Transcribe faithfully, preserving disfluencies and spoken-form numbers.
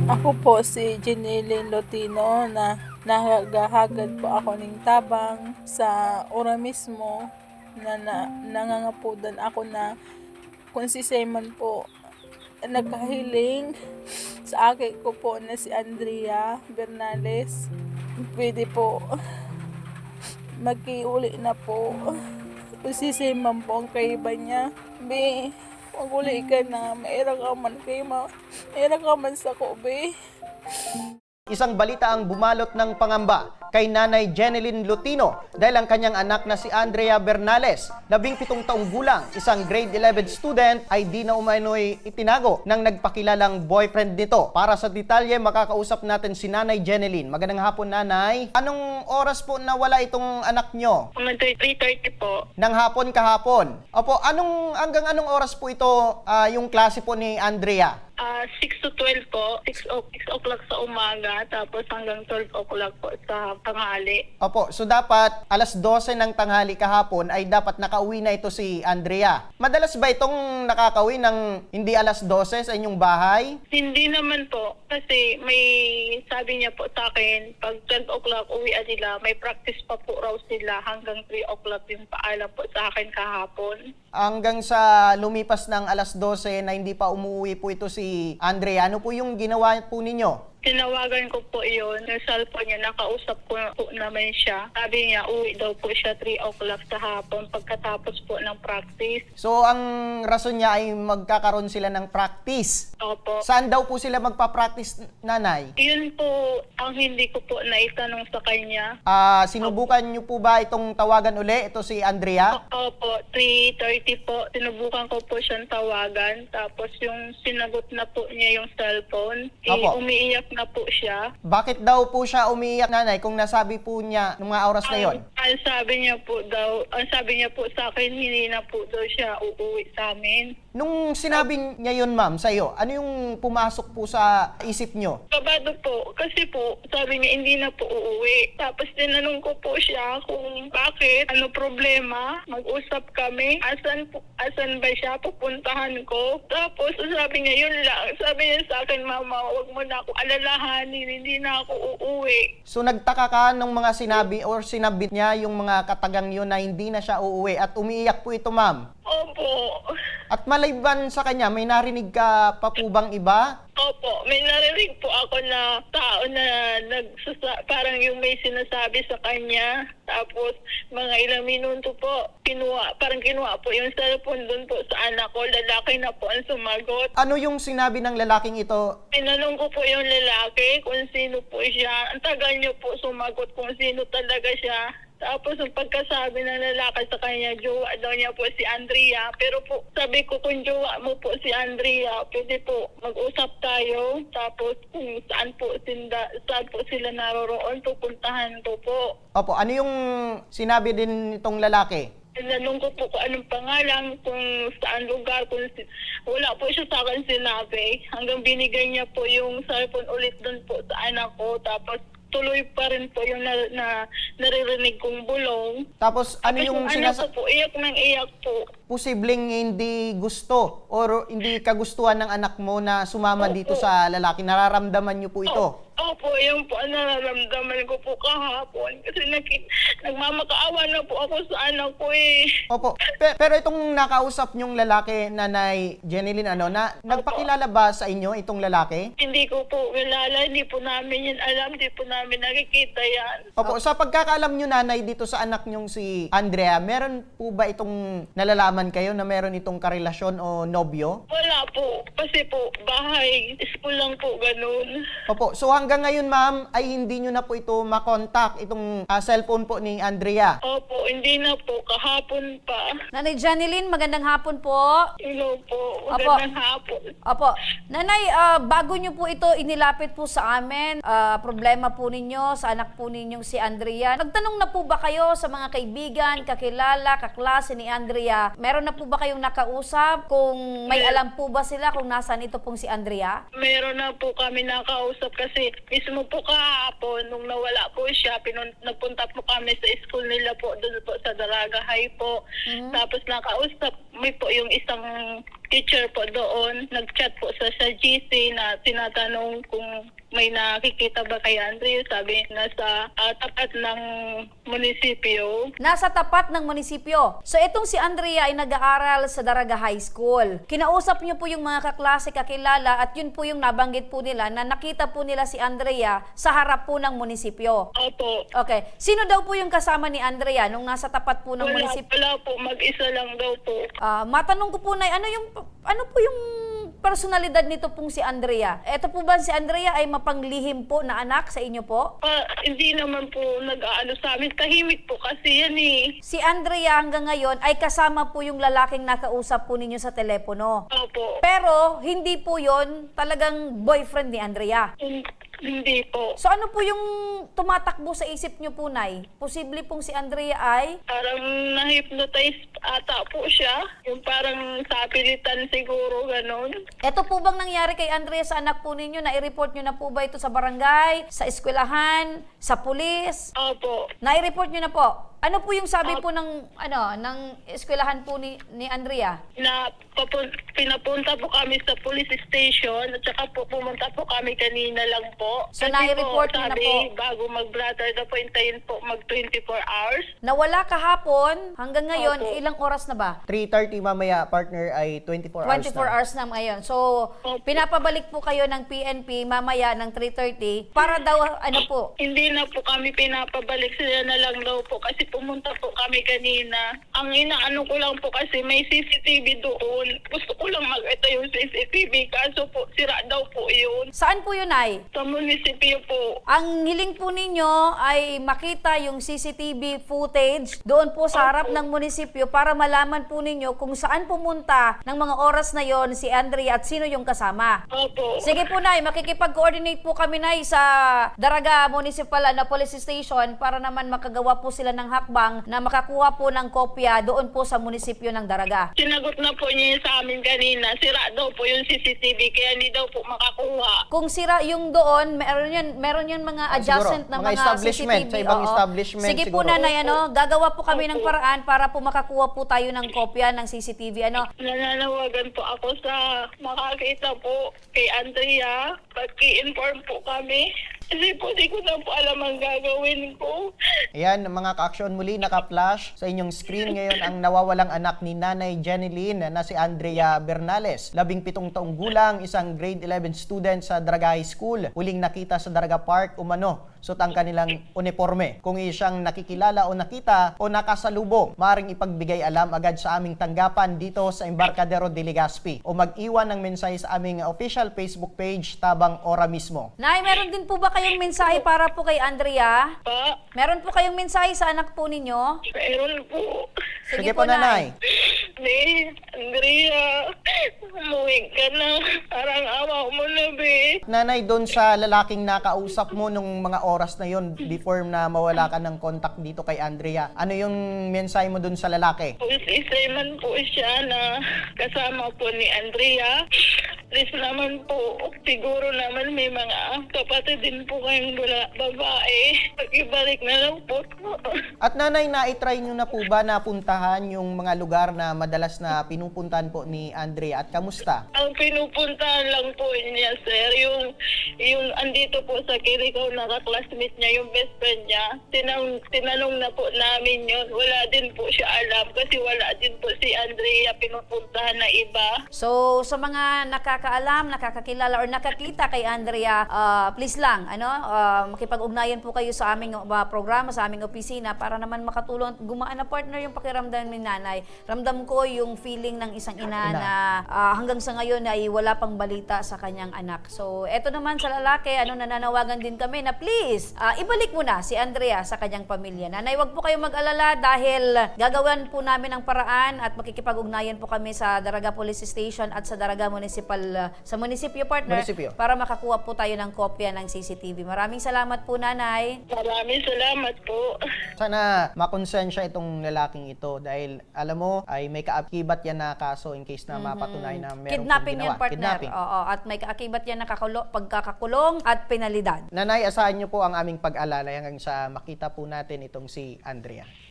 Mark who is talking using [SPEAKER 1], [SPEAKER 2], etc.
[SPEAKER 1] Ako po si Jeneline Lotino na nahagahagad po ako ng tabang sa ora mismo na, na nangangapudan ako na kung si Simon po nagkahiling sa akin ko po na si Andrea Bernales, pwede po magkiuli na po. Kung si Simon po ang kaiba niya, be, maguli ka na, mairang ka man kayo, mairang ka man sa ko, be.
[SPEAKER 2] Isang balita ang bumalot ng pangamba kay Nanay Jeneline Lotino dahil ang kanyang anak na si Andrea Bernales, labing pitong taong gulang, isang grade eleven student, ay di na umano'y itinago ng nagpakilalang boyfriend nito. Para sa detalye, makakausap natin si Nanay Jeneline. Magandang hapon, Nanay. Anong oras po nawala itong anak nyo?
[SPEAKER 3] three thirty po.
[SPEAKER 2] Nang hapon kahapon. Opo, anong, hanggang anong oras po ito ah, yung klase po ni Andrea?
[SPEAKER 3] Ah, six to twelve po. six o'clock sa umaga, tapos hanggang twelve o'clock po sa tanghali.
[SPEAKER 2] Opo, so dapat alas dose ng tanghali kahapon ay dapat nakauwi na ito si Andrea. Madalas ba itong nakakauwi ng hindi alas dose sa inyong bahay?
[SPEAKER 3] Hindi naman po. Kasi may sabi niya po sa akin, pag twelve o'clock uwian nila, may practice pa po raw sila hanggang three o'clock yung paalam po sa akin kahapon.
[SPEAKER 2] Hanggang sa lumipas ng alas dose na hindi pa umuwi po ito si Andrea, ano po yung ginawa po ninyo?
[SPEAKER 3] Tinawagan ko po yun, yung cellphone niya, nakausap ko po naman siya. Sabi niya, uwi daw po siya three o'clock sa hapon pagkatapos po ng practice.
[SPEAKER 2] So ang rason niya ay magkakaroon sila ng practice.
[SPEAKER 3] Opo.
[SPEAKER 2] Saan daw po sila magpa-practice, Nanay?
[SPEAKER 3] Yun po ang hindi ko po naitanong sa kanya.
[SPEAKER 2] Ah, sinubukan niyo po ba itong tawagan uli, ito si Andrea?
[SPEAKER 3] Opo, three thirty po. Sinubukan ko po siyang tawagan. Tapos yung sinagot na po niya yung cellphone, eh,
[SPEAKER 2] Opo.
[SPEAKER 3] umiiyak na po siya.
[SPEAKER 2] Bakit daw po siya umiiyak, Nanay, kung nasabi po niya ng mga oras na yon?
[SPEAKER 3] Ang, ang sabi niya po daw, ang sabi niya po sa akin, hindi na po daw siya uuwi sa amin.
[SPEAKER 2] Nung sinabi niya yun, ma'am, sa iyo, ano yung pumasok po sa isip nyo?
[SPEAKER 3] Kabado po, kasi po, sabi niya hindi na po uuwi. Tapos tinanong ko po siya kung bakit, ano problema, mag-usap kami, asan, po, asan ba siya, pupuntahan ko. Tapos sabi niya, yun lang. Sabi niya sa akin, mama, wag mo na ako alalahanin, hindi na ako uuwi.
[SPEAKER 2] So nagtaka ka nung mga sinabi or sinabit niya yung mga katagang yun na hindi na siya uuwi at umiiyak po ito, ma'am.
[SPEAKER 3] Opo.
[SPEAKER 2] At maliban sa kanya, may narinig ka pa po bang iba?
[SPEAKER 3] Opo, may narinig po ako na tao na nagsasa- parang yung may sinasabi sa kanya. Tapos mga ilang minuto po, kinuha, parang kinuha po yung cellphone doon po sa anak ko. Lalaki na po ang sumagot.
[SPEAKER 2] Ano yung sinabi ng lalaking ito?
[SPEAKER 3] Tinanong ko po yung lalaki kung sino po siya. Ang tagal niyo po sumagot kung sino talaga siya. Tapos ang pagkasabi ng lalaki sa kanya, jowa daw niya po si Andrea. Pero po, sabi ko kung jowa mo po si Andrea, pwede po mag-usap tayo. Tapos kung saan po, sinda, saan po sila naroroon, pupuntahan ko po.
[SPEAKER 2] Opo, ano yung sinabi din itong lalaki?
[SPEAKER 3] Tinanong ko po kung anong pangalan, kung saan lugar, kung si- wala po siya sa akin sinabi. Hanggang binigay niya po yung cellphone ulit doon po sa anak ko. Tapos tuloy pa rin po yung na, na naririnig kong bulong.
[SPEAKER 2] Tapos ano
[SPEAKER 3] Tapos
[SPEAKER 2] yung
[SPEAKER 3] anak
[SPEAKER 2] sinasa-
[SPEAKER 3] ko po, iyak nang iyak po.
[SPEAKER 2] posibleng hindi gusto or hindi kagustuhan ng anak mo na sumama
[SPEAKER 3] Opo.
[SPEAKER 2] dito sa lalaki? Nararamdaman niyo po ito?
[SPEAKER 3] Opo, yun po ang nararamdaman ko po kahapon. Kasi naki, nagmamakaawa na po ako sa anak ko eh.
[SPEAKER 2] Opo. Pe- pero itong nakausap niyong lalaki, Nanay Jeneline, ano, na nagpakilala ba sa inyo itong lalaki?
[SPEAKER 3] Hindi ko po kilala, hindi po namin yan alam, hindi po namin nakikita yan.
[SPEAKER 2] Opo, sa pagkakaalam niyo, Nanay, dito sa anak niyong si Andrea, meron po ba itong nalalaman kayo na meron itong karelasyon o nobyo?
[SPEAKER 3] Wala po, kasi po bahay, school lang po ganun.
[SPEAKER 2] Opo, so hanggang ngayon, ma'am, ay hindi nyo na po ito makontak, itong ah, cellphone po ni Andrea.
[SPEAKER 3] Opo, hindi na po, kahapon pa.
[SPEAKER 4] Nanay Jeneline, magandang hapon po.
[SPEAKER 3] Hello po,
[SPEAKER 4] Opo.
[SPEAKER 3] magandang hapon.
[SPEAKER 4] Opo. Nanay, ah, bago nyo po ito inilapit po sa amin, ah, problema po ninyo sa anak po ninyong si Andrea, nagtanong na po ba kayo sa mga kaibigan, kakilala, kaklase ni Andrea? Meron na po ba kayong nakausap? Kung may alam po ba sila kung nasaan ito pong si Andrea?
[SPEAKER 3] Meron na po kami nakausap kasi mismo po kahapon nung nawala po siya, pinun- nagpunta po kami sa school nila po doon po sa Dalaga High po. Tapos nakausap may po yung isang teacher po doon, nag-chat po sa, sa G C na tinatanong kung may nakikita ba kay Andrea. Sabi, nasa uh, tapat ng munisipyo.
[SPEAKER 4] Nasa tapat ng munisipyo. So itong si Andrea ay nag-aaral sa Daraga High School. Kinausap niyo po yung mga kaklase, kakilala, at yun po yung nabanggit po nila na nakita po nila si Andrea sa harap po ng munisipyo.
[SPEAKER 3] Opo.
[SPEAKER 4] Okay. Sino daw po yung kasama ni Andrea nung nasa tapat po ng
[SPEAKER 3] Wala,
[SPEAKER 4] munisipyo?
[SPEAKER 3] wala po, mag-isa lang daw po.
[SPEAKER 4] Ah, matanong ko po na ano yung ano po yung personalidad nito pong si Andrea? Ito po ba si Andrea ay mapanglihim po na anak sa inyo po?
[SPEAKER 3] Ah, hindi naman po nag-aano sa amin. Tahimik po kasi yan eh.
[SPEAKER 4] Si Andrea hanggang ngayon ay kasama po yung lalaking nakausap po ninyo sa telepono.
[SPEAKER 3] Opo.
[SPEAKER 4] Pero hindi po yon talagang boyfriend ni Andrea.
[SPEAKER 3] Hin- Hindi po.
[SPEAKER 4] So ano po yung tumatakbo sa isip nyo po, Nay? Posible pong si Andrea ay
[SPEAKER 3] Parang na-hypnotize ata po siya. Yung parang sapilitan siguro, ganon.
[SPEAKER 4] Ito po bang nangyari kay Andrea sa anak po ninyo? Na-report nyo na po ba ito sa barangay, sa eskwelahan, sa pulis?
[SPEAKER 3] Opo.
[SPEAKER 4] Na-report nyo na po? Ano po yung sabi po ng ano ng eskwelahan po ni, ni Andrea?
[SPEAKER 3] Na papun- pinapunta po kami sa police station at saka po pumunta po kami kanina lang po.
[SPEAKER 4] So,
[SPEAKER 3] Kasi
[SPEAKER 4] nai-report
[SPEAKER 3] po,
[SPEAKER 4] niyo na
[SPEAKER 3] sabi,
[SPEAKER 4] po?
[SPEAKER 3] bago mag-blatter na po, hintayin po mag twenty-four hours.
[SPEAKER 4] Nawala kahapon, hanggang ngayon,
[SPEAKER 3] Opo.
[SPEAKER 4] ilang oras na ba?
[SPEAKER 2] three thirty mamaya, partner, ay twenty-four hours
[SPEAKER 4] twenty-four
[SPEAKER 2] na.
[SPEAKER 4] hours na ngayon. So,
[SPEAKER 3] Opo.
[SPEAKER 4] pinapabalik po kayo ng P N P mamaya ng three thirty para daw, ano po,
[SPEAKER 3] Hindi na po kami pinapabalik, sila na lang daw po kasi pumunta po kami kanina. Ang inaano ko lang po kasi may C C T V doon. Gusto ko lang mag-ito yung C C T V kaso po sira daw po yun.
[SPEAKER 4] saan po yun ay?
[SPEAKER 3] Sa munisipyo po.
[SPEAKER 4] Ang hiling po ninyo ay makita yung C C T V footage doon po sa harap ng munisipyo para malaman po ninyo kung saan pumunta ng mga oras na yon si Andrea at sino yung kasama.
[SPEAKER 3] Opo.
[SPEAKER 4] Sige po, Nay, makikipag-coordinate po kami, Nay, sa Daraga Municipal na Police Station para naman makagawa po sila ng hakbang na makakuha po ng kopya doon po sa munisipyo ng Daraga.
[SPEAKER 3] Sinagot na po niya yun sa amin kanina. Sira daw po yung C C T V kaya hindi daw po makakuha.
[SPEAKER 4] Kung sira yung doon, meron yun, meron yun mga
[SPEAKER 2] Ah,
[SPEAKER 4] adjacent
[SPEAKER 2] siguro,
[SPEAKER 4] na
[SPEAKER 2] mga
[SPEAKER 4] mga,
[SPEAKER 2] establishment,
[SPEAKER 4] C C T V.
[SPEAKER 2] sa ibang
[SPEAKER 4] oo.
[SPEAKER 2] establishment
[SPEAKER 4] Sige po,
[SPEAKER 2] siguro.
[SPEAKER 4] Nanay, ano, gagawa po kami ng paraan para po makakuha po tayo ng kopya ng C C T V. Ano,
[SPEAKER 3] Nananawagan po ako sa makakita po kay Andrea. Pag-i-inform po kami. Kasi po di ko na po alam ang gagawin ko.
[SPEAKER 2] Ayan, mga ka-aksyon, muli naka-flash sa inyong screen ngayon ang nawawalang anak ni Nanay Jeneline na si Andrea Bernales. Labing pitong taong gulang, isang grade eleven student sa Daraga High School. Huling nakita sa Daraga Park, umano, suot ang kanilang uniforme. Kung siyang nakikilala o nakita o nakasalubong, maaaring ipagbigay alam agad sa aming tanggapan dito sa Embarcadero de Legazpi o mag-iwan ng mensahe sa aming official Facebook page, Tabang Ora mismo.
[SPEAKER 4] Nay, meron din po ba kayong mensahe para po kay Andrea?
[SPEAKER 3] Pa,
[SPEAKER 4] Meron po kayong mensahe sa anak po ninyo?
[SPEAKER 3] meron po.
[SPEAKER 2] Sige, po, Nanay.
[SPEAKER 3] Be, Andrea, umuwi ka na. Parang awa mo na, be.
[SPEAKER 2] Nanay, doon sa lalaking nakausap mo nung mga oras na yon before na mawala ka ng contact dito kay Andrea, ano yung mensahe mo doon sa lalaki?
[SPEAKER 3] Isay man po siya na kasama po ni Andrea. Please naman po, siguro naman may mga kapatid din po kayong bula, babae. Pag-ibalik na lang po.
[SPEAKER 2] At nanay, na-try nyo na po ba na puntahan yung mga lugar na madalas na pinupuntahan po ni Andrea at kamusta?
[SPEAKER 3] Ang pinupuntahan lang po niya, sir, yung, yung andito po sa Kirikaw na ka-classmate niya, yung best friend niya. Tinang, tinanong na po namin yun. Wala din po siya alam kasi wala din po si Andrea pinupuntahan na iba.
[SPEAKER 4] So, sa mga nakakaalam, nakakakilala, or nakakita kay Andrea, ah, please lang, ano, ah, makipag-ugnayan po kayo sa aming uh, programa, sa aming opisina para naman makatulong at gumaan na partner yung pakiramdam ni nanay. Ramdam ko yung feeling ng isang ina,
[SPEAKER 2] Ina.
[SPEAKER 4] na ah, hanggang sa ngayon ay wala pang balita sa kanyang anak. So, eto naman sa lalaki, ano, nananawagan din kami na please, ah, ibalik mo na si Andrea sa kanyang pamilya. Nanay, wag po kayong mag-alala dahil gagawin po namin ang paraan at makikipag-ugnayan po kami sa Daraga Police Station at sa Daraga Municipal, ah, sa munisipyo partner,
[SPEAKER 2] Munisipyo.
[SPEAKER 4] para makakuha po tayo ng kopya ng C C T V. Maraming salamat po, Nanay.
[SPEAKER 3] Maraming salamat po.
[SPEAKER 2] Sana makonsensya itong lalaking ito dahil alam mo ay may kaakibat yan na kaso in case na mapatunayan na meron
[SPEAKER 4] Kidnapping
[SPEAKER 2] pong
[SPEAKER 4] yan,
[SPEAKER 2] ginawa.
[SPEAKER 4] partner.
[SPEAKER 2] Kidnapping.
[SPEAKER 4] Oo, at may kaakibat yan na kakulo, pagkakakulong at penalidad.
[SPEAKER 2] Nanay, asahan niyo po ang aming pag-alala hanggang sa makita po natin itong si Andrea.